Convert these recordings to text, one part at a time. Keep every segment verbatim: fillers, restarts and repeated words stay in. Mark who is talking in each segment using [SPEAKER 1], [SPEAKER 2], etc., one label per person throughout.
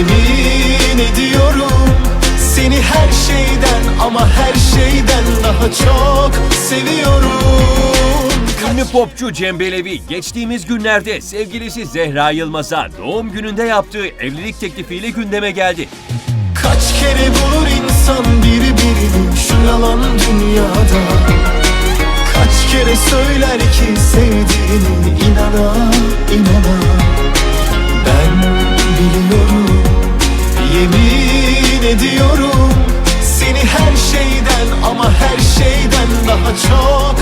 [SPEAKER 1] Yemin ediyorum seni her şeyden ama her şeyden daha çok seviyorum.
[SPEAKER 2] Ünlü popçu Cem Belevi geçtiğimiz günlerde sevgilisi Zehra Yılmaz'a doğum gününde yaptığı evlilik teklifiyle gündeme geldi.
[SPEAKER 1] Kaç kere bulur insan birbirini şu yalan dünyada. Kaç kere söyler ki sevdiğini inana inana. Ben biliyorum, yemin ediyorum seni her şeyden ama her şeyden daha çok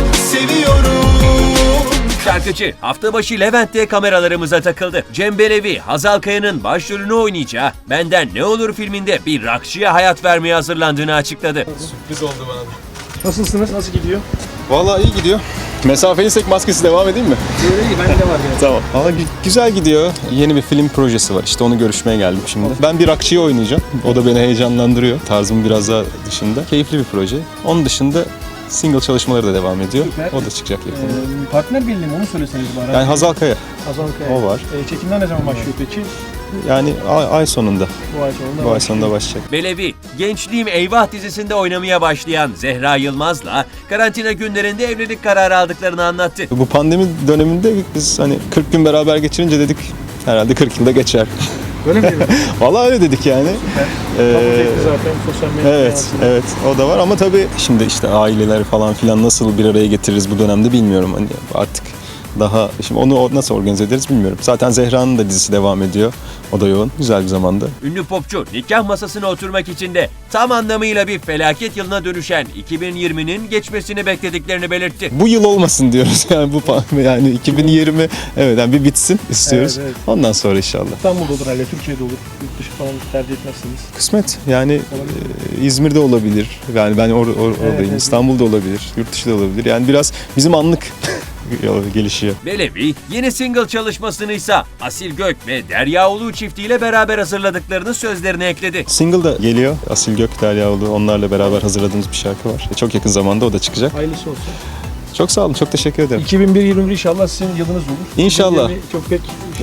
[SPEAKER 1] seviyorum.
[SPEAKER 2] Şarkıcı hafta başı Levent'te kameralarımıza takıldı. Cem Belevi, Hazal Kaya'nın başrolünü oynayacağı Benden Ne Olur filminde bir rockçıya hayat vermeye hazırlandığını açıkladı.
[SPEAKER 3] Sürpriz oldu bana da.
[SPEAKER 4] Nasılsınız? Nasıl gidiyor?
[SPEAKER 3] Vallahi iyi gidiyor. Mesafeliysek maskesi devam edeyim mi?
[SPEAKER 4] Öyle iyi, bende de var yani.
[SPEAKER 3] Tamam. Valla gü- güzel gidiyor. Yeni bir film projesi var. İşte onu görüşmeye geldim şimdi. Ben bir rockçıyı oynayacağım. O da beni heyecanlandırıyor. Tarzım biraz daha dışında. Keyifli bir proje. Onun dışında single çalışmaları da devam ediyor.
[SPEAKER 4] Süper.
[SPEAKER 3] O da çıkacak yakında.
[SPEAKER 4] Ee, partner belli mi? Onu söyleseniz bana.
[SPEAKER 3] Yani Hazal Kaya.
[SPEAKER 4] Hazal Kaya.
[SPEAKER 3] o var.
[SPEAKER 4] Ee, çekimler ne zaman başlıyor peki?
[SPEAKER 3] Yani ay, ay sonunda.
[SPEAKER 4] Bu ay sonunda.
[SPEAKER 3] Bu ay sonunda başlayacak.
[SPEAKER 2] Belevi, Gençliğim Eyvah dizisinde oynamaya başlayan Zehra Yılmaz'la karantina günlerinde evlilik kararı aldıklarını anlattı.
[SPEAKER 3] Bu pandemi döneminde biz hani kırk gün beraber geçirince dedik herhalde kırk yılda geçer.
[SPEAKER 4] Öyle mi?
[SPEAKER 3] Vallahi öyle dedik yani. Ee,
[SPEAKER 4] Kabul etti zaten sosyal medya.
[SPEAKER 3] Evet,
[SPEAKER 4] hayatında.
[SPEAKER 3] evet o da var ama tabii şimdi işte aileler falan filan nasıl bir araya getiririz bu dönemde bilmiyorum. Hani artık daha şimdi onu nasıl organize ederiz bilmiyorum. Zaten Zehra'nın da dizisi devam ediyor. O da yoğun. Güzel bir zamanda.
[SPEAKER 2] Ünlü popçu nikah masasına oturmak için de tam anlamıyla bir felaket yılına dönüşen iki bin yirminin geçmesini beklediklerini belirtti.
[SPEAKER 3] Bu yıl olmasın diyoruz yani bu pa- yani iki bin yirmi evet yani bir bitsin istiyoruz.
[SPEAKER 4] Evet, evet.
[SPEAKER 3] Ondan sonra inşallah.
[SPEAKER 4] İstanbul'da olur herhalde, Türkiye'de olur. Yurt dışı falan tercih etmezsiniz.
[SPEAKER 3] Kısmet yani e, İzmir'de olabilir. Yani ben or- or- oradayım.
[SPEAKER 4] evet.
[SPEAKER 3] İstanbul'da olabilir. Yurt dışı da olabilir. Yani biraz bizim anlık gelişiyor.
[SPEAKER 2] Belevi, yeni single çalışmasını ise Asil Gök ve Derya Ulu çiftiyle beraber hazırladıklarını sözlerine ekledi.
[SPEAKER 3] Single da geliyor. Asil Gök, Deryaoğlu onlarla beraber hazırladığımız bir şarkı var. Çok yakın zamanda o da çıkacak.
[SPEAKER 4] Hayırlısı olsun.
[SPEAKER 3] Çok sağ olun. Çok teşekkür ederim.
[SPEAKER 4] iki bin bir yirmi bir inşallah sizin yılınız olur.
[SPEAKER 3] İnşallah.
[SPEAKER 4] iki bin yirmi çok pek şey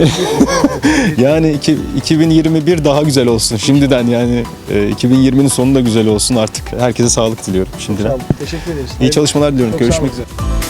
[SPEAKER 4] yok.
[SPEAKER 3] Yani iki- 2021 daha güzel olsun şimdiden yani e, iki bin yirminin sonu da güzel olsun artık. Herkese sağlık diliyorum
[SPEAKER 4] Sağ
[SPEAKER 3] şimdiden.
[SPEAKER 4] olun. Teşekkür ederiz.
[SPEAKER 3] İyi çalışmalar diliyorum.
[SPEAKER 4] Çok sağ
[SPEAKER 3] Görüşmek
[SPEAKER 4] olun.
[SPEAKER 3] üzere.